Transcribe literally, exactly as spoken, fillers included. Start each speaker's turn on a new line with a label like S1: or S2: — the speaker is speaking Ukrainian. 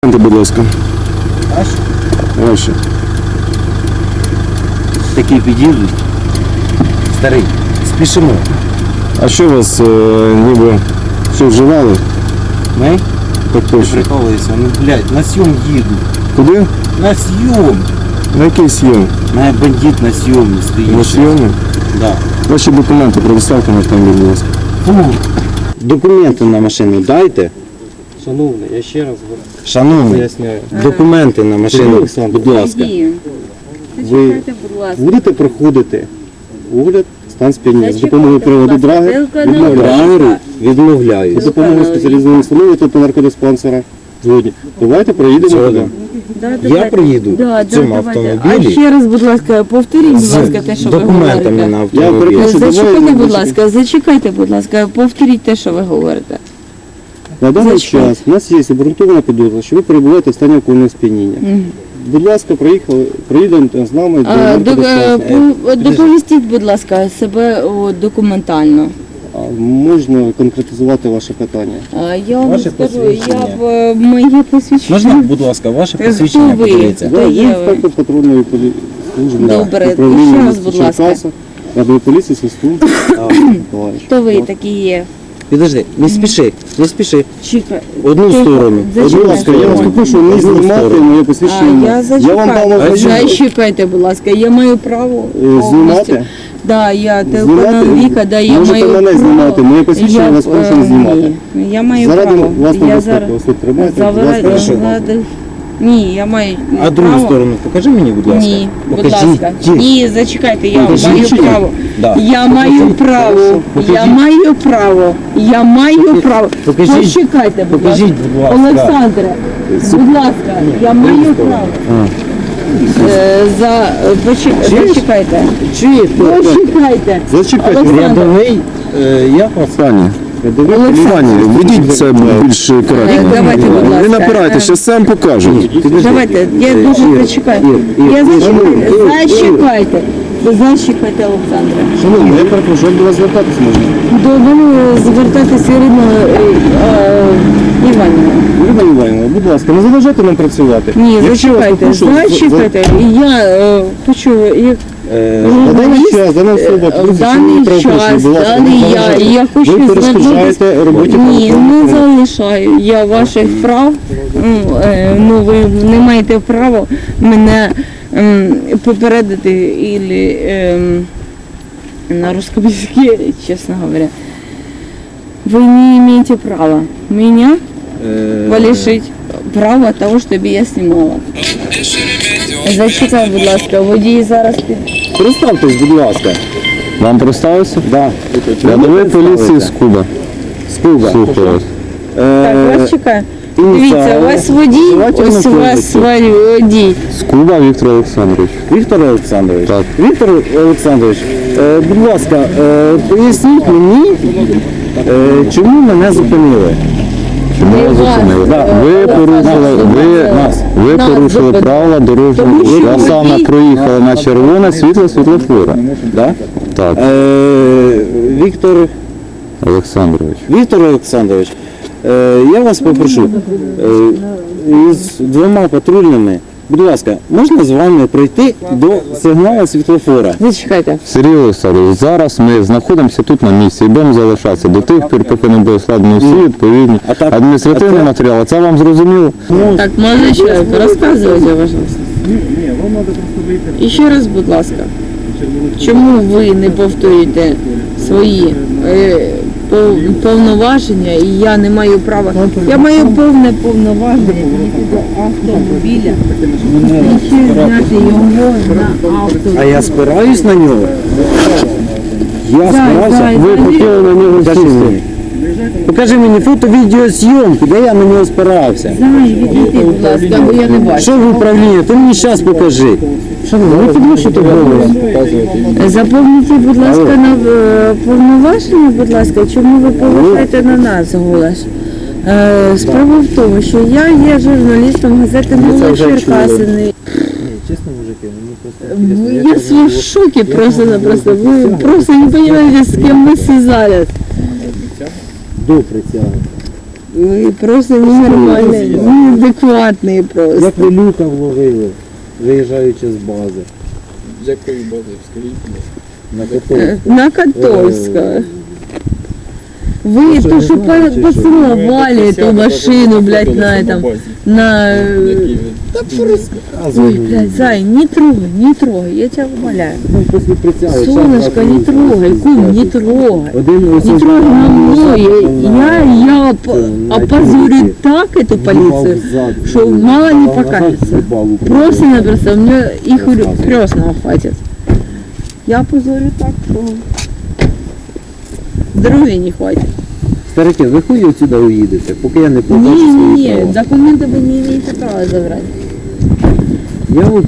S1: Будь ласка.
S2: Ваші?
S1: Ваші.
S2: Такі під'їдуть. Старий, спішимо.
S1: А що вас е, ніби що вживали?
S2: Ми?
S1: Так точно.
S2: Приколуються, ну блядь, на сйом їду.
S1: Куди?
S2: На сйом.
S1: На який сйом?
S2: На бандит на сйомі стоїть.
S1: На сйомі?
S2: Да.
S1: Ваші документи предоставте на автомобіль, будь ласка.
S2: Фу. Документи на машину дайте.
S3: Шановний, я ще раз
S2: Шановний,
S3: поясняю.
S2: документи на машину,
S3: Олександр.
S2: будь ласка. Ви
S4: Зачекайте, будь ласка.
S2: будете проходити огляд стан сп'яніння з
S4: Зачекайте,
S2: допомогою приладу
S4: будь ласка,
S2: драгер?
S4: телеканал
S2: Відмовляю.
S4: «Віка».
S2: Відмовляю. За допомогою спеціалізованої установи та наркодиспансера. Згодні. Давайте проїдемо туди.
S4: Да,
S2: Я
S4: давайте.
S2: приїду
S4: Да,
S2: в цьому
S4: да, давайте.
S2: автомобілі
S4: А ще раз, будь ласка, повторіть, будь
S2: з
S4: ласка, те, що ви
S2: документами на
S4: говорите.
S2: автомобіль.
S1: Я перепрошую,
S4: Зачекайте,
S1: давай-
S4: будь ласка, зачекайте, будь ласка, повторіть те, що ви говорите.
S2: На даний
S4: Зачекайте.
S2: час у нас є обґрунтована підозра, що ви перебуваєте в стані алкогольного сп'яніння. Будь ласка, проїхали, проїдемо з нами до
S4: А, до, е,
S2: наркодиспансера.
S4: по- доповістіть, будь ласка, себе о, документально.
S2: А можна конкретизувати ваше питання?
S4: А, я вам
S3: Ваше
S4: скажу, я
S3: посвідчення.
S4: б е, моє посвідчення.
S3: Можна, будь ласка, ваше
S4: Хто
S3: посвідчення
S4: ви?
S3: подивіться?
S4: Хто
S2: Я
S4: є
S2: є
S4: ви?
S2: інспектор патрульної полі- служби.
S4: Добре,
S2: управління
S4: ще раз,
S2: міста
S4: будь ласка.
S2: Черкаса, рядової поліції Свистун Миколаївич.
S4: Хто ви такі є?
S2: Підожди, не спіши, не спіши.
S4: Чекай.
S2: Одну
S4: Тихо.
S2: сторону.
S4: Зачекайте.
S2: Будь ласка, я вас попрошу не
S3: Одну
S2: знімати
S3: сторону.
S2: моє
S4: А,
S2: посвідчення.
S4: я
S2: Я вам
S4: зачекаю.
S2: дам ознайомлення.
S4: Зачекайте, будь ласка, я маю право
S2: Е,
S4: повністю.
S2: знімати?
S4: Да, я телеканал
S2: Знімати?
S4: Віка, да, я
S2: Можете
S4: маю
S2: мене
S4: право.
S2: знімати, моє посвідчення
S4: Я,
S2: вас прошу не
S4: е,
S2: знімати.
S4: ні, я маю
S2: Заради
S4: право.
S2: власної
S4: Я
S2: безпеки
S4: зараз
S2: ось тут тримайте. будь
S4: Завра-
S2: ласка.
S3: Хорошо.
S4: заради- Ні, я маю
S3: А другу
S4: право.
S3: сторону покажи мені, будь ласка.
S4: Ні, будь
S3: Покажіть.
S4: ласка.
S3: Ті.
S4: Ні, зачекайте, я
S3: Покажіть
S4: маю
S3: чи ні?
S4: право.
S3: Да.
S4: Я маю право.
S3: Покажіть.
S4: Я маю право. Я маю право.
S3: Покажіть.
S4: Почекайте, будь
S3: Покажіть,
S4: ласка.
S3: будь ласка.
S4: Олександре, будь ласка, я маю право. Е, За е, почек- зачекайте.
S2: Чи
S4: Почекайте.
S2: Зачекайте.
S4: Олександр.
S3: Рядовий, е, як вас?
S1: Пані,
S2: Рядовий
S4: Олександр.
S1: пані, ведіть це більш
S4: Е,
S1: коректно.
S4: Давайте, будь ласка.
S1: Не напирайте, ще сам покажуть.
S4: Давайте, я дуже зачекаю. Я зачекайте. Зачекайте. Зачекайте, Олександре.
S2: Шановні, я перепрошую, як до вас звертатись можна?
S4: До мене звертатися Ірина е, е, Іванівна.
S2: Ірина Іванівна, будь ласка, не заважайте нам працювати.
S4: Ні,
S2: Якщо вас
S4: зачекайте,
S2: попрошу,
S4: зачекайте. Я е, хочу, як
S2: Е, На даний
S4: журналіст,
S2: час, дана особа,
S4: е,
S2: порушує
S4: в даний
S2: правопорушення,
S4: час,
S2: будь ласка,
S4: даний
S2: не
S4: я,
S2: заважайте.
S4: я хочу
S2: Ви перешкоджаєте
S4: звернутися.
S2: роботі
S4: Ні,
S2: правоохоронних
S4: не
S2: органів.
S4: залишаю я ваших прав. Ну, е, ну ви не маєте права мене ем, попередити ілі ем, на русском языке, честно говоря. Вы не имеете права меня
S2: Е,
S4: лишить права того, щоб я знімала. Зачекай, будь ласка, водій зараз під...
S2: Представтесь, будь ласка.
S1: Вам представився?
S2: Да.
S1: Рядовий поліції з Куба.
S2: Скуба.
S1: Слухаю вас.
S4: Так,
S2: Е,
S4: вас чекає.
S2: ініціали.
S4: Дивіться, у вас водій,
S2: Давайте
S4: ось у
S2: на
S4: вас
S2: позицію.
S4: водій.
S1: З Куба Віктор Олександрович.
S2: Віктор Олександрович.
S1: Так.
S2: Віктор Олександрович, е, будь ласка, е, поясніть мені, е, чому мене зупинили?
S1: Чому
S4: Не
S1: ви
S4: вас,
S1: зупинили?
S4: е,
S1: Ви
S4: Олександр,
S1: порушили, ви,
S4: нас,
S1: ви
S4: нас
S1: порушили
S4: зупинили.
S1: правила дорожнього
S4: Тому
S1: руху.
S4: що
S1: Я саме
S4: водій-
S1: проїхала на червоне світло світлофора.
S2: Да?
S1: Так,
S2: Е, Віктор,
S1: Олександрович.
S2: Віктор Олександрович, е, я вас попрошу, е, з двома патрульними, будь ласка, можна з вами пройти до сигналу світлофора?
S4: Зачекайте.
S1: Сергій Олександрович, зараз ми знаходимося тут на місці і будемо залишатися до тих пір, поки не буде складено всі відповідні
S2: А так-
S1: адміністративні
S2: а це-
S1: матеріали. Це вам зрозуміло?
S4: Так, молодой человек, рассказывайте, пожалуйста. І ще раз, будь ласка, чому ви не повторюєте свої е, пов- повноваження, і я не маю права. Я маю повне повноваження підійти до автомобіля і ще зняти його на
S2: А
S4: автомобіль.
S2: я спираюсь на нього? Я
S4: Зай,
S2: спирався?
S4: зай,
S2: Ви
S4: зай.
S2: хотіли на нього сісти? Покажи мені фото відеозйомки, де я на нього спирався.
S4: Зай, відійди, будь ласка, бо я не бачу.
S2: Що в управлінні? Ти мені зараз покажи. Що ви, ви підвищуєте голову?
S4: Заповніть, будь ласка, на е, повноваження, будь ласка, чому ви повишаєте на нас голос? Е, Справа в тому, що я є журналістом газети «Нові Черкасини».
S3: Чесно, мужики, мені просто
S4: Я в шоке просто-напросто. Вы просто не понимаете, с кем мы связались.
S2: До притягу.
S4: Ви просто ненормальні, неадекватні просто.
S3: Як ви люка вловили, виїжджаючи з бази?
S5: З якої бази, скажіть?
S3: На
S4: Е,
S3: Котовську.
S4: На Котовська. Ви
S3: що,
S4: то,
S3: не
S4: що
S3: знаєте, чи що?
S4: поцеловали эту машину, блядь, на этом, на... Ой, блядь, Зай, не трогай, не трогай, я тебя умоляю.
S3: Ну, після прицяли.
S4: Солнышко, не трогай, кум, не трогай.
S3: Один ось
S4: Не
S3: ось
S4: трогай на мной, я, я оп- опозорю так эту полицию, что мало не покажется. Просто-напросто, мне их крестного хватит. Я опозорю так, что здоровья не хватит.
S3: Старики, ви хуй отсюда уїдете, поки я не побачу
S4: Не,
S3: свої
S4: не,
S3: права.
S4: документы вы не имеете права забрать.
S3: Я от